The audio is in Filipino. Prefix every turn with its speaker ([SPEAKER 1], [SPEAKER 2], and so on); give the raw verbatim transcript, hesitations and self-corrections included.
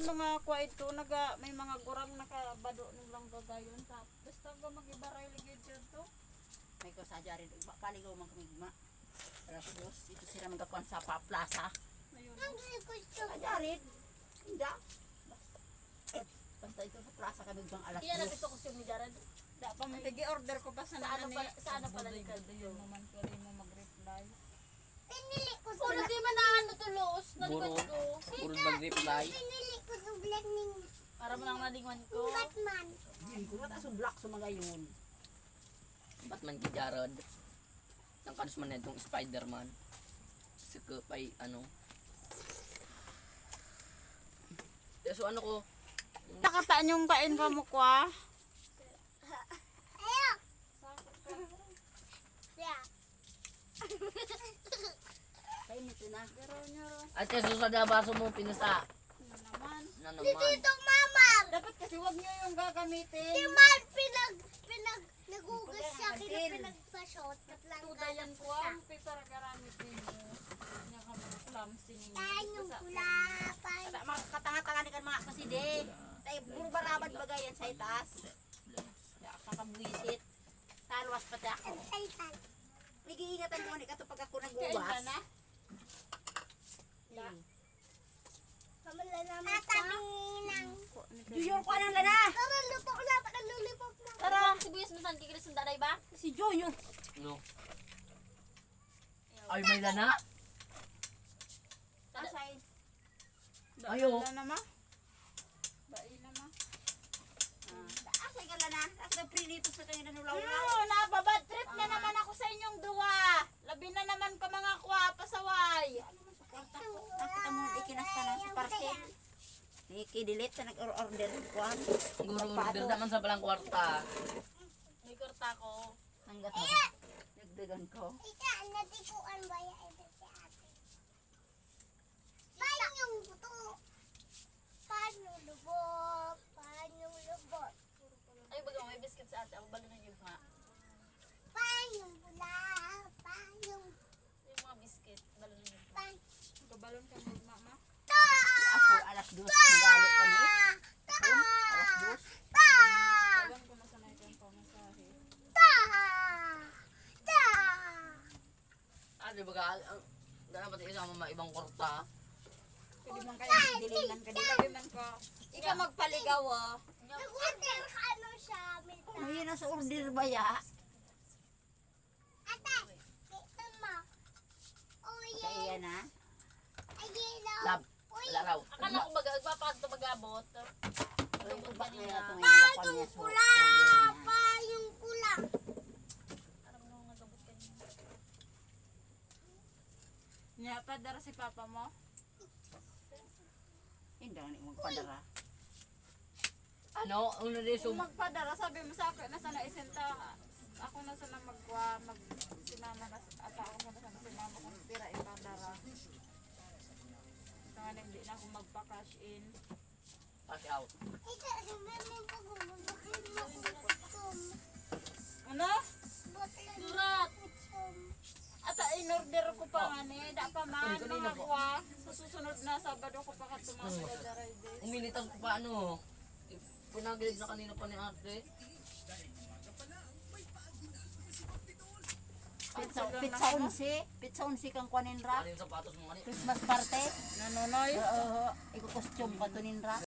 [SPEAKER 1] mga kwa ito, naga, may mga gurang nakabado nilang gagayon. Tapos taga mag-ibaray ligid yun to.
[SPEAKER 2] May ko sa jarin, paligaw man kami gma. Alas dos, ito sila magkakuan sa pa plaza.
[SPEAKER 1] Ayun.
[SPEAKER 2] Sa jarin, hindi. Basta ito sa plaza kami bang alas
[SPEAKER 3] Kaya
[SPEAKER 2] dos.
[SPEAKER 3] natin ito costume ni Jared.
[SPEAKER 1] Da pa man order ko pa sa
[SPEAKER 3] Sa ano
[SPEAKER 1] nani.
[SPEAKER 3] pala, sa ano pala ni
[SPEAKER 1] Yun
[SPEAKER 3] Caldo.
[SPEAKER 1] naman ko rin mo mag-reply.
[SPEAKER 4] Pinili ko
[SPEAKER 3] Oh, hindi man na ano tulos. Nalikod
[SPEAKER 5] Buro.
[SPEAKER 3] ko.
[SPEAKER 5] Puro mag-reply.
[SPEAKER 4] Pinili ko sa vlog ni
[SPEAKER 3] Para mo lang nalingan ko.
[SPEAKER 4] Batman.
[SPEAKER 2] Hindi ko mata sa black sa mga yun.
[SPEAKER 5] Ba't man ki Jarod? Nang kanus man na itong Spider-Man. Saka pa'y ano. Eh, so ano ko?
[SPEAKER 1] Nakataan yung kain ka mo kwa.
[SPEAKER 4] Ayo. Ya.
[SPEAKER 2] Kaya nito na.
[SPEAKER 1] Pero nyo,
[SPEAKER 5] At kasi sa dabaso mo pinasa.
[SPEAKER 1] ano naman.
[SPEAKER 5] Na
[SPEAKER 4] Dito
[SPEAKER 5] naman.
[SPEAKER 4] ito mama.
[SPEAKER 1] Dapat kasi wag nyo yung gagamitin.
[SPEAKER 4] Si Man pinag pinag nagugas siya kina pinagpa-shot at lang
[SPEAKER 1] Tudayan ko ang pipara garamitin mo. Kanya ka mga clumsy ninyo.
[SPEAKER 4] Tanyong
[SPEAKER 1] Basta-
[SPEAKER 4] pula pa.
[SPEAKER 2] Mga katanga-tanga ni kan mga kaside. Tay puro barabad bagayan sa itas. Ya kakabuisit. Talwas pati ako.
[SPEAKER 4] Saitan.
[SPEAKER 2] Nag-iingatan mo ni kato pag ako
[SPEAKER 1] Kain ka
[SPEAKER 2] nagbuwas.
[SPEAKER 1] na?
[SPEAKER 2] Hmm.
[SPEAKER 4] Kamalalaman ka. Tataminang.
[SPEAKER 2] Junior ko nang lana.
[SPEAKER 4] Tara, luto na. Tara, lulipop na.
[SPEAKER 3] Tara, sibuyas mo saan kikilis ng daday ba?
[SPEAKER 2] Si Junior.
[SPEAKER 5] No. Ay, may lana?
[SPEAKER 2] Asay.
[SPEAKER 5] Ayo.
[SPEAKER 1] Wala na ma? Bai na ma?
[SPEAKER 2] Asay ka lana. Kasi prinito sa kanya nanulaw.
[SPEAKER 1] Ano, nababad trip na naman ako sa inyong duwa. Labi na naman ka mga kwa, pasaway.
[SPEAKER 2] Nakita mo ikinasta na sa parcel. Niki-delete sa nag-order ko.
[SPEAKER 5] Guro order naman sa palang kwarta.
[SPEAKER 3] May kurta ko.
[SPEAKER 2] Hanggat mo. Nagdagan ko.
[SPEAKER 4] Ika, natikuan ba ya ito si ate? Paano yung buto? Paano lubot? Paano lubot?
[SPEAKER 3] Ay, baga may biscuit sa ate. Ako balo na yung nga.
[SPEAKER 4] Paano bula? Paano?
[SPEAKER 3] Yung mga biscuit. Balo na yung nga.
[SPEAKER 4] Paano?
[SPEAKER 1] Kabalon ka mo, mama.
[SPEAKER 4] Ta!
[SPEAKER 2] Ako alas dos. Magalit kami.
[SPEAKER 4] Ta!
[SPEAKER 2] Alas dos.
[SPEAKER 4] Ta!
[SPEAKER 1] Tagan ko na sanay kang pamasahe.
[SPEAKER 4] Ta! Ta!
[SPEAKER 5] Ano ba ka? Ang dapat isama mga ibang kwarta.
[SPEAKER 1] Pwede man kayo dilingan ka. Dilabi man ko. Ikaw magpaligaw ah.
[SPEAKER 4] Nag-order ka ano siya? May ta-
[SPEAKER 2] Ano yun nasa order ba ya?
[SPEAKER 4] Ate, ito mo. Oye,
[SPEAKER 2] Kaya na.
[SPEAKER 4] ayelo.
[SPEAKER 5] Lab. Wala raw.
[SPEAKER 3] Akala ko baga, agpapakad ito magabot.
[SPEAKER 2] Ay, ba kaya ito ngayon
[SPEAKER 4] Paano
[SPEAKER 2] nakakuha niya sa
[SPEAKER 4] pula?
[SPEAKER 2] order niya.
[SPEAKER 4] Paano pula?
[SPEAKER 3] Parang nung nagabot ka niya.
[SPEAKER 1] Nya pa dara si papa mo.
[SPEAKER 2] Hindi ako magpadara.
[SPEAKER 5] Ano? Ano din
[SPEAKER 1] Kung
[SPEAKER 5] sum...
[SPEAKER 1] magpadara, sabi mo sa akin, nasa na isenta, ako na sana magwa, mag, sinama na, at ako na sana sinama kung tira ipadara. Ito nga na, hindi na ako magpa-cash in.
[SPEAKER 5] Cash out.
[SPEAKER 4] Ika, sumemeng ko gumabakin mo kutum.
[SPEAKER 1] Ano?
[SPEAKER 4] Botlan
[SPEAKER 3] Surat!
[SPEAKER 4] kutum.
[SPEAKER 1] At ah, in-order ko pa nga ni, da pa man,
[SPEAKER 5] Kanina
[SPEAKER 1] mga
[SPEAKER 5] po.
[SPEAKER 1] kwa. Sa susunod na Sabado ko pa katumasadara this.
[SPEAKER 5] Umilitan ko pa ano. Pinagilid na kanina pa ni ate.
[SPEAKER 2] Pizza, pizza unsi. Pizza unsi kang kuanin ra.
[SPEAKER 5] Ano yung sapatos mo kanina?
[SPEAKER 2] Christmas party.
[SPEAKER 1] Nanonoy?
[SPEAKER 2] Oo. Iko costume ka to ninra.